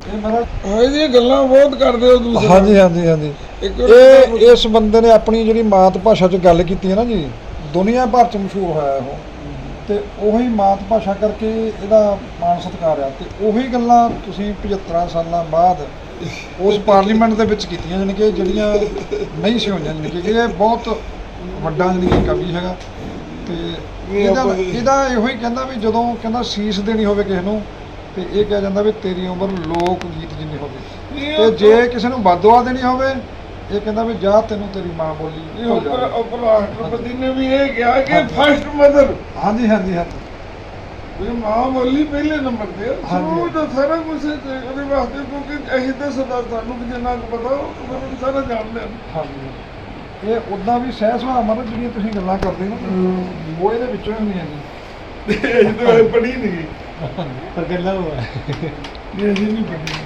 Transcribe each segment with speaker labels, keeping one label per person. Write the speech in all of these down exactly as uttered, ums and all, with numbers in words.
Speaker 1: ਹਾਂ ਜੀ, ਗੱਲਾਂ ਬਹੁਤ ਕਰਦੇ ਹੋ ਤੁਸੀਂ।
Speaker 2: ਹਾਂਜੀ ਹਾਂਜੀ ਹਾਂਜੀ ਇਹ ਇਸ ਬੰਦੇ ਨੇ ਆਪਣੀ ਜਿਹੜੀ ਮਾਤ ਭਾਸ਼ਾ 'ਚ ਗੱਲ ਕੀਤੀ ਹੈ ਨਾ ਜੀ, ਦੁਨੀਆ ਭਰ 'ਚ ਮਸ਼ਹੂਰ ਹੋਇਆ ਉਹ, ਤੇ ਉਹੀ ਮਾਤ ਭਾਸ਼ਾ ਕਰਕੇ ਇਹਦਾ ਮਾਣ ਸਤਿਕਾਰ ਆ। ਤੇ ਉਹੀ ਗੱਲਾਂ ਤੁਸੀਂ ਪਝੱਤਰਾਂ ਸਾਲਾਂ ਬਾਅਦ ਉਸ ਪਾਰਲੀਮੈਂਟ ਦੇ ਵਿੱਚ ਕੀਤੀਆਂ, ਜਾਣੀ ਕਿ ਜਿਹੜੀਆਂ ਨਹੀਂ ਸੀ ਹੋਈਆਂ, ਜਾਣੀ ਕਿ ਇਹ ਬਹੁਤ ਵੱਡਾ ਜਾਣੀ ਕਿ ਕਵੀ ਹੈਗਾ। ਤੇ ਇਹਦਾ ਇਹਦਾ ਇਹੋ ਹੀ ਕਹਿੰਦਾ ਵੀ ਜਦੋਂ ਕਹਿੰਦਾ ਸੀਸ ਦੇਣੀ ਹੋਵੇ ਕਿਸੇ ਨੂੰ, ਤੇ ਇਹ ਕਿਹਾ ਜਾਂਦਾ ਵੀ ਤੇਰੀ ਉਮਰ ਲੋਕ ਗੀਤ ਜਿੰਨੀ ਹੋਵੇ, ਤੇ ਜੇ ਕਿਸੇ ਨੂੰ ਬਦਦੁਆ ਦੇਣੀ ਹੋਵੇ ਇਹ ਕਹਿੰਦਾ ਵੀ ਜਾ ਤੈਨੂੰ ਤੇਰੀ ਮਾਂ ਬੋਲੀ।
Speaker 1: ਉਪ ਰਾਸ਼ਟਰਪਤੀ ਨੇ ਵੀ ਇਹ ਕਿਹਾ ਕਿ ਫਸਟ ਮਦਰ।
Speaker 2: ਹਾਂਜੀ ਹਾਂਜੀ ਹਾਂਜੀ
Speaker 1: ਵੀ ਮਾਂ ਬੋਲੀ ਪਹਿਲੇ ਨੰਬਰ ਤੇ ਸ਼ੁਰੂ ਤੋਂ ਸਾਰਾ ਕੁਝ ਉਹਦੇ ਵਾਸਤੇ, ਕਿਉਂਕਿ ਅਸੀਂ ਤਾਂ ਸਦਾ ਸਾਨੂੰ ਵੀ ਜਿੰਨਾ ਕੁ ਪਤਾ ਉਹ ਸਾਰਾ ਜਾਣਦੇ ਹਾਂ।
Speaker 2: ਹਾਂਜੀ ਇਹ ਉੱਦਾਂ ਵੀ ਸਹਿ ਸੁਭਾਅ ਮਤਲਬ ਜਿਹੜੀਆਂ ਤੁਸੀਂ ਗੱਲਾਂ ਕਰਦੇ ਨਾ ਉਹ ਇਹਦੇ ਵਿੱਚੋਂ ਹੀ ਹੁੰਦੀਆਂ ਜੀ।
Speaker 1: ਇਹ ਤਾਂ ਪੜ੍ਹੀ ਨਹੀਂ
Speaker 2: ਪਰ ਗੱਲਾਂ ਉਹ ਹੈ
Speaker 1: ਇਹ ਅਸੀਂ ਨਹੀਂ ਪੜ੍ਹੀ।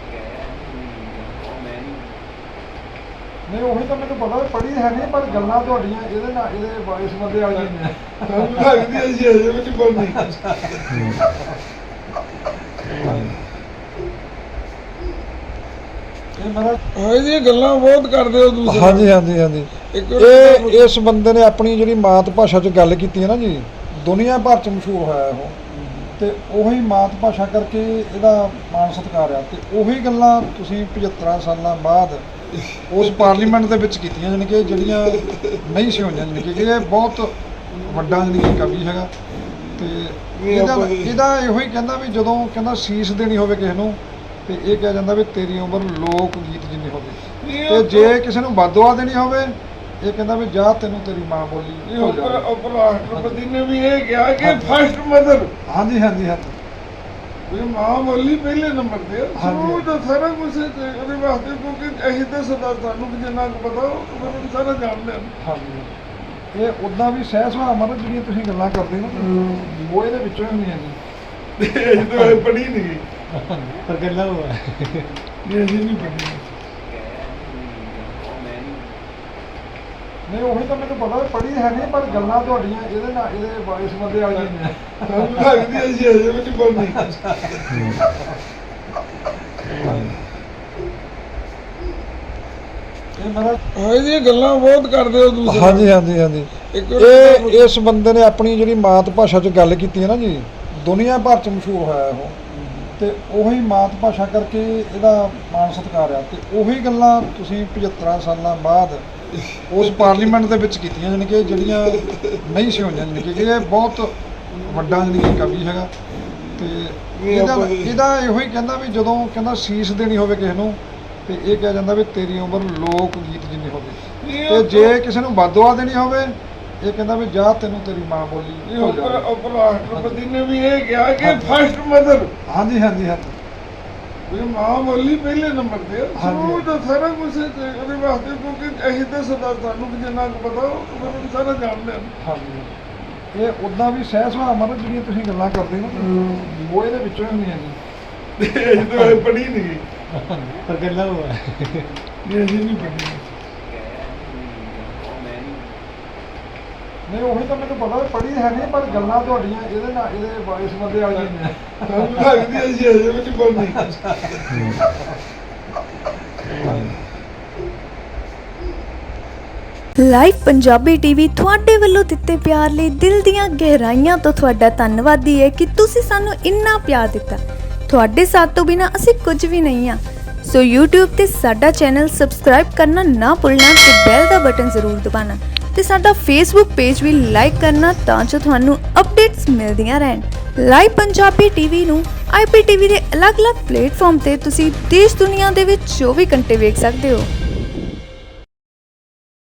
Speaker 2: ਨਹੀਂ ਉਹੀ ਤਾਂ ਮੈਨੂੰ ਪਤਾ ਪੜ੍ਹੀ ਹੈ ਨਹੀਂ, ਪਰ ਗੱਲਾਂ ਤੁਹਾਡੀਆਂ ਇਹਦੇ ਨਾਲ ਇਹਦੇ ਇਸ ਬੰਦੇ ਵਾਲੀਆਂ ਨੇ।
Speaker 1: ਸਾਨੂੰ ਲੱਗਦੀ ਹੈ ਜੀ ਅਜੇ ਵਿੱਚ ਪੜ੍ਹਨੀ।
Speaker 2: ਇਹ ਮੇਰਾ
Speaker 1: ਹਾਂ ਜੀ, ਗੱਲਾਂ ਬਹੁਤ ਕਰਦੇ ਹੋ ਤੁਸੀਂ।
Speaker 2: ਹਾਂਜੀ ਹਾਂਜੀ ਹਾਂਜੀ ਇਹ ਇਸ ਬੰਦੇ ਨੇ ਆਪਣੀ ਜਿਹੜੀ ਮਾਤ ਭਾਸ਼ਾ 'ਚ ਗੱਲ ਕੀਤੀ ਹੈ ਨਾ ਜੀ, ਦੁਨੀਆ ਭਰ 'ਚ ਮਸ਼ਹੂਰ ਹੋਇਆ ਉਹ, ਤੇ ਉਹੀ ਮਾਤ ਭਾਸ਼ਾ ਕਰਕੇ ਇਹਦਾ ਮਾਣ ਸਤਿਕਾਰ ਆ। ਤੇ ਉਹੀ ਗੱਲਾਂ ਤੁਸੀਂ ਪਝੱਤਰਾਂ ਸਾਲਾਂ ਬਾਅਦ ਉਸ ਪਾਰਲੀਮੈਂਟ ਦੇ ਵਿੱਚ ਕੀਤੀਆਂ, ਜਾਣੀ ਕਿ ਜਿਹੜੀਆਂ ਨਹੀਂ ਸੀ ਹੋਈਆਂ, ਜਾਣੀ ਕਿ ਇਹ ਬਹੁਤ ਵੱਡਾ ਜਾਣੀ ਕਿ ਕਵੀ ਹੈਗਾ। ਤੇ ਇਹਦਾ ਇਹਦਾ ਇਹੋ ਹੀ ਕਹਿੰਦਾ ਵੀ ਜਦੋਂ ਕਹਿੰਦਾ ਸੀਸ ਦੇਣੀ ਹੋਵੇ ਕਿਸੇ ਨੂੰ, ਤੇ ਇਹ ਕਿਹਾ ਜਾਂਦਾ ਵੀ ਤੇਰੀ ਉਮਰ ਲੋਕ ਗੀਤ ਜਿੰਨੀ ਹੋਵੇ, ਤੇ ਜੇ ਕਿਸੇ ਨੂੰ ਬਦਦੁਆ ਦੇਣੀ ਹੋਵੇ ਇਹ ਕਹਿੰਦਾ ਵੀ ਜਾ ਤੈਨੂੰ ਤੇਰੀ ਮਾਂ ਬੋਲੀ।
Speaker 1: ਉਪ ਰਾਸ਼ਟਰਪਤੀ ਨੇ ਵੀ ਇਹ ਕਿਹਾ ਕਿ ਫਸਟ ਮਦਰ।
Speaker 2: ਹਾਂਜੀ ਹਾਂਜੀ ਹਾਂਜੀ
Speaker 1: ਵੀ ਮਾਂ ਬੋਲੀ ਪਹਿਲੇ ਨੰਬਰ ਤੇ ਸ਼ੁਰੂ ਤੋਂ ਸਾਰਾ ਕੁਝ ਉਹਦੇ ਵਾਸਤੇ, ਕਿਉਂਕਿ ਅਸੀਂ ਤਾਂ ਸਦਾ ਸਾਨੂੰ ਵੀ ਜਿੰਨਾ ਕੁ ਪਤਾ ਉਹ ਸਾਰਾ ਜਾਣਦੇ ਹਾਂ।
Speaker 2: ਹਾਂਜੀ ਇਹ ਉੱਦਾਂ ਵੀ ਸਹਿ ਸੁਭਾਅ ਮਤਲਬ ਜਿਹੜੀਆਂ ਤੁਸੀਂ ਗੱਲਾਂ ਕਰਦੇ ਨਾ ਉਹ ਇਹਦੇ ਵਿੱਚੋਂ ਹੀ ਹੁੰਦੀਆਂ ਜੀ।
Speaker 1: ਇਹ ਤਾਂ ਪੜ੍ਹੀ ਨਹੀਂ
Speaker 2: ਪਰ ਗੱਲਾਂ ਉਹ ਹੈ
Speaker 1: ਇਹ ਅਸੀਂ ਨਹੀਂ ਪੜ੍ਹੀ।
Speaker 2: ਨਹੀਂ ਉਹੀ ਤਾਂ ਮੈਨੂੰ ਪਤਾ ਪੜ੍ਹੀ ਹੈ ਨਹੀਂ, ਪਰ ਗੱਲਾਂ ਤੁਹਾਡੀਆਂ ਇਹਦੇ ਨਾਲ ਇਹਦੇ ਇਸ ਬੰਦੇ ਵਾਲੀਆਂ ਨੇ।
Speaker 1: ਸਾਨੂੰ ਲੱਗਦੀ ਹੈ ਜੀ ਅਜੇ ਵਿੱਚ ਪੜ੍ਹਨੀ।
Speaker 2: ਇਹ ਮੇਰਾ
Speaker 1: ਹਾਂ ਜੀ, ਗੱਲਾਂ ਬਹੁਤ ਕਰਦੇ ਹੋ ਤੁਸੀਂ।
Speaker 2: ਹਾਂਜੀ ਹਾਂਜੀ ਹਾਂਜੀ ਇਹ ਇਸ ਬੰਦੇ ਨੇ ਆਪਣੀ ਜਿਹੜੀ ਮਾਤ ਭਾਸ਼ਾ 'ਚ ਗੱਲ ਕੀਤੀ ਹੈ ਨਾ ਜੀ, ਦੁਨੀਆ ਭਰ 'ਚ ਮਸ਼ਹੂਰ ਹੋਇਆ ਉਹ, ਤੇ ਉਹੀ ਮਾਤ ਭਾਸ਼ਾ ਕਰਕੇ ਇਹਦਾ ਮਾਣ ਸਤਿਕਾਰ ਆ। ਤੇ ਉਹੀ ਗੱਲਾਂ ਤੁਸੀਂ ਪਝੱਤਰਾਂ ਸਾਲਾਂ ਬਾਅਦ ਉਸ ਪਾਰਲੀਮੈਂਟ ਦੇ ਵਿੱਚ ਕੀਤੀਆਂ, ਜਾਣੀ ਕਿ ਜਿਹੜੀਆਂ ਨਹੀਂ ਸੀ ਹੋਈਆਂ, ਜਾਣੀ ਕਿ ਇਹ ਬਹੁਤ ਵੱਡਾ ਜਾਣੀ ਕਿ ਕਵੀ ਹੈਗਾ। ਤੇ ਇਹਦਾ ਇਹਦਾ ਇਹੋ ਹੀ ਕਹਿੰਦਾ ਵੀ ਜਦੋਂ ਕਹਿੰਦਾ ਸੀਸ ਦੇਣੀ ਹੋਵੇ ਕਿਸੇ ਨੂੰ, ਤੇ ਇਹ ਕਿਹਾ ਜਾਂਦਾ ਵੀ ਤੇਰੀ ਉਮਰ ਲੋਕ ਗੀਤ ਜਿੰਨੀ ਹੋਵੇ, ਤੇ ਜੇ ਕਿਸੇ ਨੂੰ ਬਦਦੁਆ ਦੇਣੀ ਹੋਵੇ ਇਹ ਕਹਿੰਦਾ ਵੀ ਜਾ ਤੈਨੂੰ ਤੇਰੀ ਮਾਂ ਬੋਲੀ।
Speaker 1: ਉਪ ਰਾਸ਼ਟਰਪਤੀ ਨੇ ਵੀ ਇਹ ਕਿਹਾ ਕਿ ਫਸਟ ਮਦਰ।
Speaker 2: ਹਾਂਜੀ ਹਾਂਜੀ ਹਾਂਜੀ
Speaker 1: ਵੀ ਮਾਂ ਬੋਲੀ ਪਹਿਲੇ ਨੰਬਰ ਤੇ ਸ਼ੁਰੂ ਤੋਂ ਸਾਰਾ ਕੁਝ ਉਹਦੇ ਵਾਸਤੇ, ਕਿਉਂਕਿ ਅਸੀਂ ਤਾਂ ਸਦਾ ਸਾਨੂੰ ਵੀ ਜਿੰਨਾ ਕੁ ਪਤਾ ਉਹ ਸਾਰਾ ਜਾਣਦੇ ਹਾਂ।
Speaker 2: ਹਾਂਜੀ ਇਹ ਉੱਦਾਂ ਵੀ ਸਹਿ ਸੁਭਾਅ ਮਤਲਬ ਜਿਹੜੀਆਂ ਤੁਸੀਂ ਗੱਲਾਂ ਕਰਦੇ ਨਾ ਉਹ ਇਹਦੇ ਵਿੱਚੋਂ ਹੀ ਹੁੰਦੀਆਂ ਜੀ।
Speaker 1: ਇਹ ਤਾਂ ਪੜ੍ਹੀ ਨਹੀਂ
Speaker 2: ਪਰ ਗੱਲਾਂ ਉਹ ਹੈ
Speaker 1: ਇਹ ਅਸੀਂ ਨਹੀਂ ਪੜ੍ਹੀ।
Speaker 2: ਨਹੀਂ ਉਹੀ ਤਾਂ ਮੈਨੂੰ ਪਤਾ ਪੜ੍ਹੀ ਹੈ ਨਹੀਂ, ਪਰ ਗੱਲਾਂ ਤੁਹਾਡੀਆਂ ਇਹਦੇ ਨਾਲ ਇਹਦੇ ਇਸ ਬੰਦੇ ਵਾਲੀਆਂ ਨੇ।
Speaker 1: ਸਾਨੂੰ ਲੱਗਦੀ ਹੈ ਜੀ ਅਜੇ ਵਿੱਚ ਪੜ੍ਹਨੀ।
Speaker 3: ਲਾਈਵ ਪੰਜਾਬੀ ਟੀਵੀ ਤੁਹਾਡੇ ਵੱਲੋਂ ਦਿੱਤੇ ਪਿਆਰ ਲਈ ਦਿਲ ਦੀਆਂ ਗਹਿਰਾਈਆਂ ਤੋਂ ਤੁਹਾਡਾ ਧੰਨਵਾਦੀ ਹੈ ਕਿ ਤੁਸੀਂ ਸਾਨੂੰ ਇੰਨਾ ਪਿਆਰ ਦਿੱਤਾ। ਤੁਹਾਡੇ ਸਾਥ ਤੋਂ ਬਿਨਾਂ ਅਸੀਂ ਕੁਝ ਵੀ ਨਹੀਂ ਹਾਂ। ਸੋ YouTube ਤੇ ਸਾਡਾ ਚੈਨਲ ਸਬਸਕ੍ਰਾਈਬ ਕਰਨਾ ਨਾ ਭੁੱਲਣਾ ਤੇ ਬੈਲ ਦਾ ਬਟਨ ਜ਼ਰੂਰ ਦਬਾਉਣਾ, ਤੇ ਸਾਡਾ Facebook ਪੇਜ ਵੀ ਲਾਈਕ ਕਰਨਾ ਤਾਂ ਜੋ ਤੁਹਾਨੂੰ ਅਪਡੇਟਸ ਮਿਲਦੀਆਂ ਰਹਿਣ। ਲਾਈਵ ਪੰਜਾਬੀ ਟੀਵੀ ਨੂੰ ਆਈ ਪੀ ਟੀ ਵੀ ਦੇ ਅਲੱਗ-ਅਲੱਗ ਪਲੇਟਫਾਰਮ ਤੇ ਤੁਸੀਂ ਦੇਸ਼ ਦੁਨੀਆ ਦੇ ਵਿੱਚ ਚੌਵੀ ਘੰਟੇ ਵੇਖ ਸਕਦੇ ਹੋ।